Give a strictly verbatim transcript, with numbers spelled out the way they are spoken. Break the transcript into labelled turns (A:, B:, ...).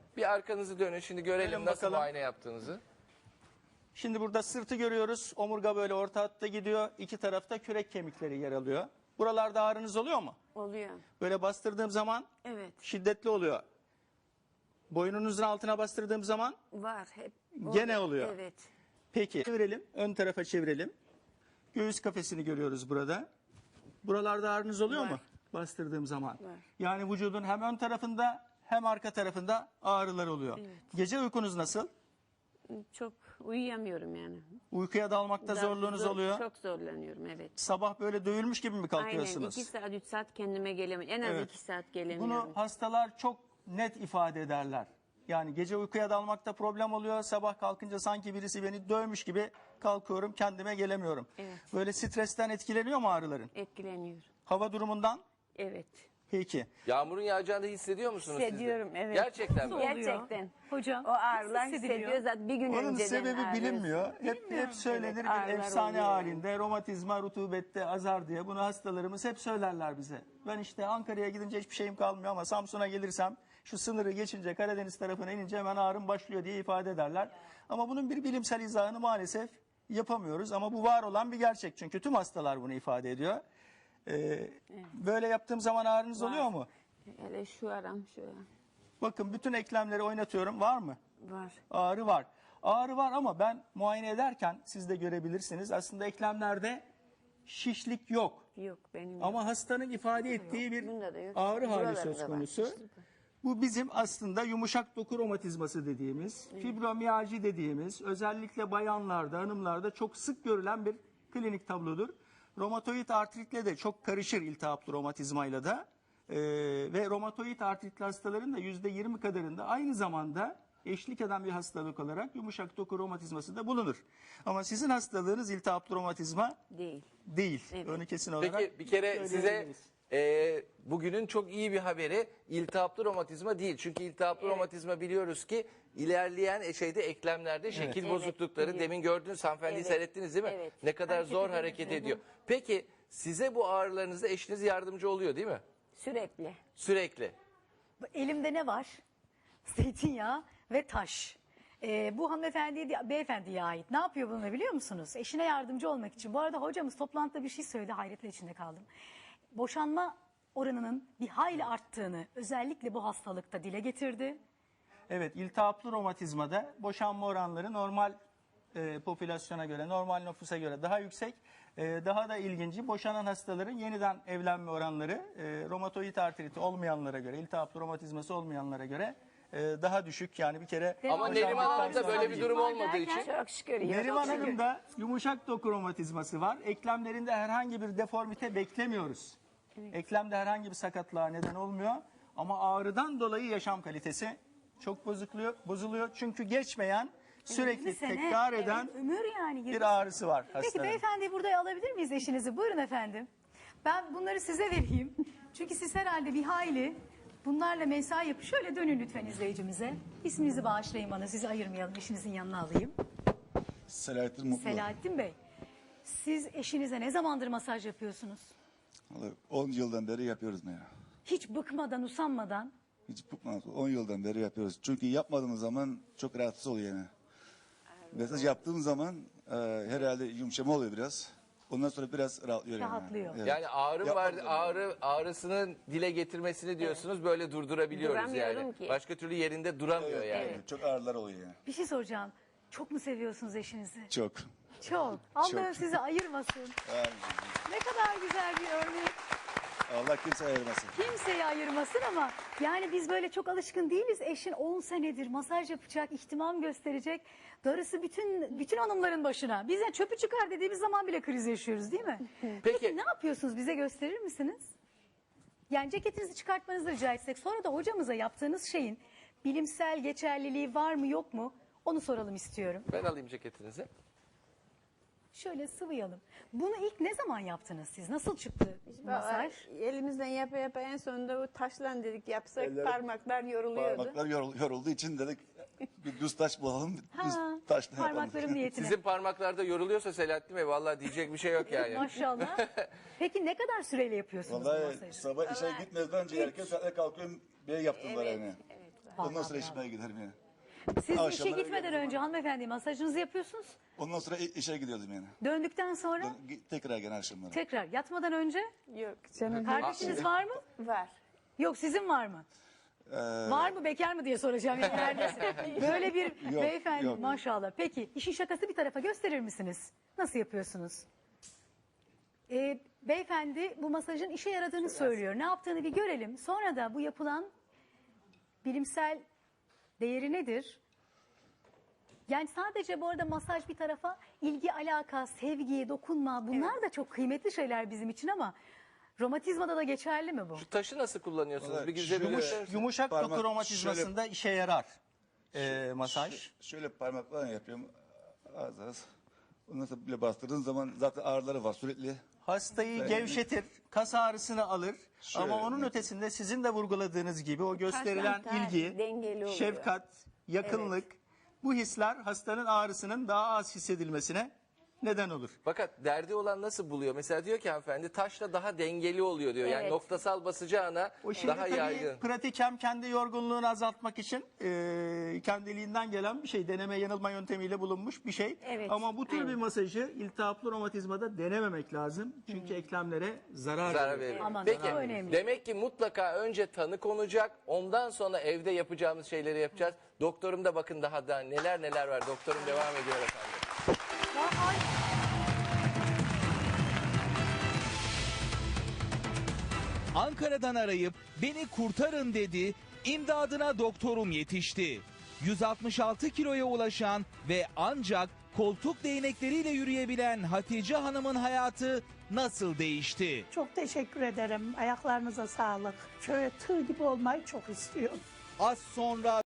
A: Bir arkanızı dönün şimdi görelim
B: Gelin
A: nasıl
B: bakalım.
A: muayene yaptığınızı.
B: Şimdi burada sırtı görüyoruz. Omurga böyle orta hatta gidiyor. İki tarafta kürek kemikleri yer alıyor. Buralarda ağrınız oluyor mu?
C: Oluyor.
B: Böyle bastırdığım zaman
C: Evet.
B: şiddetli oluyor. Boynunuzun altına bastırdığım zaman
C: Var. Hep
B: gene oluyor.
C: Evet.
B: Peki çevirelim. Ön tarafa çevirelim. Göğüs kafesini görüyoruz burada. Buralarda ağrınız oluyor
C: Var.
B: mu? Bastırdığım zaman.
C: Var.
B: Yani vücudun hem ön tarafında hem arka tarafında ağrılar oluyor.
C: Evet.
B: Gece uykunuz nasıl?
C: Çok uyuyamıyorum yani.
B: Uykuya dalmakta
C: Daha
B: zorluğunuz
C: zor-
B: oluyor.
C: Çok zorlanıyorum, evet.
B: Sabah böyle dövülmüş gibi mi
C: Aynen.
B: kalkıyorsunuz?
C: iki saat, üç saat kendime gelemiyorum. En az
B: Evet.
C: iki saat gelemiyorum.
B: Bunu hastalar çok net ifade ederler. Yani gece uykuya dalmakta problem oluyor. Sabah kalkınca sanki birisi beni dövmüş gibi kalkıyorum, kendime gelemiyorum.
C: Evet.
B: Böyle stresten etkileniyor mu ağrıların?
C: Etkileniyor.
B: Hava durumundan?
C: Evet.
B: Peki.
A: Yağmurun yağacağını hissediyor musunuz siz de?
C: Hissediyorum, evet.
A: Gerçekten mi?
D: oluyor?
C: Gerçekten.
D: Hocam,
C: O ağrılar
D: nasıl hissediliyor?
C: hissediyor zaten bir gün
B: Onun
C: önceden
B: sebebi
C: ağrıyorsun.
B: bilinmiyor. Hep hep söylenir
C: Evet,
B: bir
C: ağrılar
B: efsane
C: oluyor
B: halinde. Romatizma, rutubette azar diye. Bunu hastalarımız hep söylerler bize. Ben işte Ankara'ya gidince hiçbir şeyim kalmıyor ama Samsun'a gelirsem şu sınırı geçince Karadeniz tarafına inince hemen ağrım başlıyor diye ifade ederler. Ama bunun bir bilimsel izahını maalesef yapamıyoruz. Ama bu var olan bir gerçek. Çünkü tüm hastalar bunu ifade ediyor. Ee, Böyle yaptığım zaman ağrınız oluyor mu?
C: Hele şu aram şu aram.
B: Bakın bütün eklemleri oynatıyorum. Var mı?
C: Var.
B: Ağrı var. Ağrı var ama ben muayene ederken siz de görebilirsiniz. Aslında eklemlerde şişlik yok.
C: Yok benim yok.
B: Ama hastanın ifade ettiği bir
C: Bunda da yok.
B: ağrı hali
C: Buralarda
B: söz
C: da var.
B: konusu. Bu bizim aslında yumuşak doku romatizması dediğimiz, fibromiyalji dediğimiz, özellikle bayanlarda, hanımlarda çok sık görülen bir klinik tablodur. Romatoid artritle de çok karışır iltihaplı romatizmayla da. Ee, ve romatoid artritli hastaların da yüzde yirmi kadarında aynı zamanda eşlik eden bir hastalık olarak yumuşak doku romatizması da bulunur. Ama sizin hastalığınız iltihaplı romatizma
C: Değil.
B: değil.
C: Evet.
B: Onu kesin olarak
A: Peki bir kere size
B: söyleyebiliriz.
A: e, bugünün çok iyi bir haberi iltihaplı romatizma değil. Çünkü iltihaplı
C: Evet.
A: romatizma biliyoruz ki ilerleyen e, şeyde eklemlerde şekil
C: Evet,
A: bozuklukları.
C: biliyorum.
A: Demin gördünüz hanımefendiyi
C: Evet.
A: seyrettiniz değil mi?
C: Evet.
A: Ne kadar
C: Hareket
A: zor
C: ediyor.
A: hareket
C: Hı hı.
A: ediyor. Peki size bu ağrılarınızda eşiniz yardımcı oluyor değil mi?
C: Sürekli.
A: Sürekli.
D: Elimde ne var? Zeytinyağı ve taş. Ee, bu hanımefendiye, de- beyefendiye ait. Ne yapıyor bununla biliyor musunuz? Eşine yardımcı olmak için. Bu arada hocamız toplantıda bir şey söyledi, hayretler içinde kaldım. Boşanma oranının bir hayli arttığını özellikle bu hastalıkta dile getirdi.
B: Evet, iltihaplı romatizmada boşanma oranları normal e, popülasyona göre, normal nüfusa göre daha yüksek. E, daha da ilginci boşanan hastaların yeniden evlenme oranları e, romatoid artriti olmayanlara göre, iltihaplı romatizması olmayanlara göre e, daha düşük. Yani bir kere
A: Ama
D: Hocam,
A: Neriman
D: ağrı
A: Hanım'da böyle bir
D: sancı
A: durum
D: var
A: olmadığı
D: derken-
A: için
C: Çok şükür. ya,
B: Neriman
C: çok şükür.
B: Hanım'da yumuşak doku romatizması var. Eklemlerinde herhangi bir deformite beklemiyoruz. Eklemde herhangi bir sakatlığa neden olmuyor. Ama ağrıdan dolayı yaşam kalitesi çok bozuluyor. bozuluyor. Çünkü geçmeyen, sürekli
D: yirmi sene,
B: tekrar eden
D: evet, ömür yani. yirmi
B: bir ağrısı var
D: Peki
B: hastanın.
D: beyefendi burada alabilir miyiz eşinizi? Buyurun efendim. Ben bunları size vereyim. Çünkü siz herhalde bir hayli bunlarla mesai yapın. Şöyle dönün lütfen izleyicimize. İsminizi bağışlayın bana, sizi ayırmayalım. Eşinizin yanına alayım.
E: Selahattin Mutlu.
D: Selahattin Bey, siz eşinize ne zamandır masaj yapıyorsunuz?
E: Vallahi on yıldan beri yapıyoruz ne ya.
D: Hiç bıkmadan, usanmadan.
E: Hiç bıkmadık. on yıldan beri yapıyoruz. Çünkü yapmadığımız zaman çok rahatsız oluyor yani. Mesaj yaptığım zaman e, herhalde yumuşama oluyor biraz. Ondan sonra biraz rahatlıyor. yani.
D: Rahatlıyor.
E: Evet.
A: yani ağrı
E: Yapmadığım
A: var,
E: zaman.
A: ağrı ağrısının dile getirmesini diyorsunuz böyle durdurabiliyoruz
C: Duramıyorum
A: yani.
C: ki.
A: Başka türlü yerinde duramıyor
E: Evet,
A: yani.
E: evet. Çok ağrılar oluyor yani.
D: Bir şey soracağım. Çok mu seviyorsunuz eşinizi?
E: Çok.
D: Çok. Allah'ım
E: Çok.
D: sizi ayırmasın.
E: Yani
D: Ne kadar güzel bir örnek.
E: Allah kimse ayırmasın.
D: Kimseyi ayırmasın ama yani biz böyle çok alışkın değiliz. Eşin on senedir masaj yapacak, ihtimam gösterecek. Darısı bütün bütün hanımların başına. Biz yani çöpü çıkar dediğimiz zaman bile kriz yaşıyoruz değil mi?
A: Peki.
D: ne yapıyorsunuz? Bize gösterir misiniz? Yani ceketinizi çıkartmanızı rica etsek. Sonra da hocamıza yaptığınız şeyin bilimsel geçerliliği var mı yok mu? Onu soralım istiyorum.
A: Ben alayım ceketinizi.
D: Şöyle sıvayalım. Bunu ilk ne zaman yaptınız siz? Nasıl çıktı masaj?
C: Elimizden yapa yapa en sonunda o taşlan dedik yapsak
E: Elleri-
C: parmaklar yoruluyordu.
E: Parmaklar yorul, yorulduğu için dedik bir düz taş bulalım.
D: Ha,
E: Düz taşla yapalım.
D: parmaklarım niyetine.
A: Sizin parmaklarda yoruluyorsa Selahattin Bey vallahi diyecek bir şey yok yani.
D: Maşallah. Peki ne kadar süreyle yapıyorsunuz bu
E: Vallahi
D: masajı?
E: sabah işe gitmeden önce erken saatte kalkıyorum. Bir yaptım var
C: Evet,
E: yani.
C: evet
E: Ondan
D: Vallahi
E: sonra
D: bravo.
E: işime giderim yani.
D: Siz işe
E: Akşamları
D: gitmeden
E: geldiğim
D: önce hanımefendi masajınızı yapıyorsunuz.
E: Ondan sonra i- işe gidiyordum yani.
D: Döndükten sonra
E: Dön- Tekrar gene akşamları.
D: tekrar yatmadan önce
C: Yok canım.
D: kardeşiniz var mı?
C: Var.
D: Yok sizin var mı?
E: Ee,
D: Var mı bekar mı diye soracağım. Yani neredesin? Böyle bir
E: Yok,
D: beyefendi
E: yok.
D: maşallah. Peki işin şakası bir tarafa gösterir misiniz? Nasıl yapıyorsunuz? Ee, beyefendi bu masajın işe yaradığını söylüyor. Ne yaptığını bir görelim. Sonra da bu yapılan bilimsel değeri nedir? Yani sadece bu arada masaj bir tarafa ilgi, alaka, sevgi, dokunma bunlar da çok kıymetli şeyler bizim için ama romatizmada da geçerli mi bu?
A: Şu taşı nasıl kullanıyorsunuz?
E: Vallahi
A: Bir güzel
E: şu-
A: bir
B: Yumuş, yumuşak
E: Parmak
B: doku romatizmasında işe yarar e, masaj.
E: Şöyle parmakla yapıyorum. Az az. Ondan sonra bile bastırdığın zaman zaten ağrıları var sürekli.
B: Hastayı gevşetir, kas ağrısını alır.
E: Şöyle
B: Ama onun
E: net.
B: ötesinde sizin de vurguladığınız gibi o gösterilen
C: Taşlar
B: ilgi,
C: dengeli oluyor.
B: şefkat, yakınlık, bu hisler hastanın ağrısının daha az hissedilmesine neden olur.
A: Fakat derdi olan nasıl buluyor? Mesela diyor ki hanımefendi taşla daha dengeli oluyor diyor. Yani
C: Evet.
A: noktasal basacağına
B: O şimdi
A: daha
B: tabii
A: yaygın.
B: pratik hem kendi yorgunluğunu azaltmak için e, kendiliğinden gelen bir şey. Deneme yanılma yöntemiyle bulunmuş bir şey.
C: Evet,
B: Ama bu tür bir
C: aynen.
B: masajı iltihaplı romatizmada denememek lazım. Çünkü eklemlere zarar,
A: Zarar
B: verir.
A: verir.
D: Aman,
A: Peki
D: daha önemli.
A: demek ki mutlaka önce tanı konacak. Ondan sonra evde yapacağımız şeyleri yapacağız. Doktorum da bakın daha da neler neler var. Doktorum devam ediyor efendim.
D: Ay,
F: Ankara'dan arayıp beni kurtarın dedi, imdadına doktorum yetişti. yüz altmış altı kiloya ulaşan ve ancak koltuk değnekleriyle yürüyebilen Hatice Hanım'ın hayatı nasıl değişti?
G: Çok teşekkür ederim. Ayaklarınıza sağlık. Şöyle tığ gibi olmayı çok istiyorum.
F: Az sonra